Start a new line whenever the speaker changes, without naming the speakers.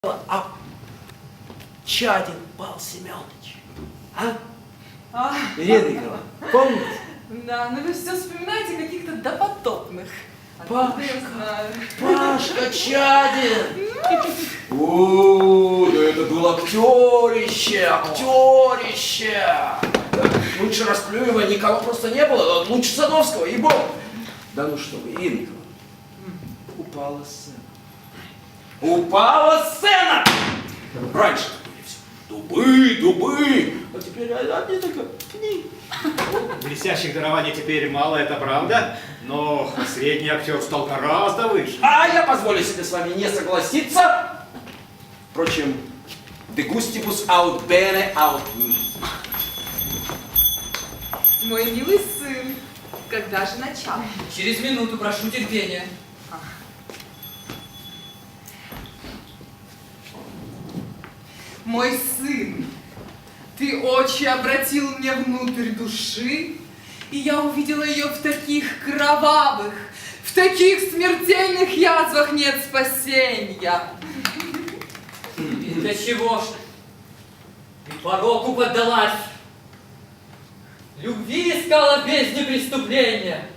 А Чадин Павел Семенович, а? Ирина Николаевна, помните?
Да, но вы все вспоминаете каких-то допотопных.
Пашка,
Я знаю.
Пашка Чадин! О, да это был актерище! Лучше Расплюева никого просто не было, лучше Садовского, ей-богу! Да ну что вы, Ирина Николаевна, упала сцена. Упала сцена! Раньше были все дубы, а теперь одни только пни.
Блестящих дарований теперь мало, это правда, но средний актер стал гораздо выше.
А я позволю себе с вами не согласиться. Впрочем, de gustibus aut bene aut mi.
Мой милый сын, когда же начало?
Через минуту, прошу терпения.
Мой сын, ты очи обратил мне внутрь души, и я увидела ее в таких кровавых, в таких смертельных язвах нет спасения.
И для чего ж ты пороку поддалась? Любви искала в бездне преступления.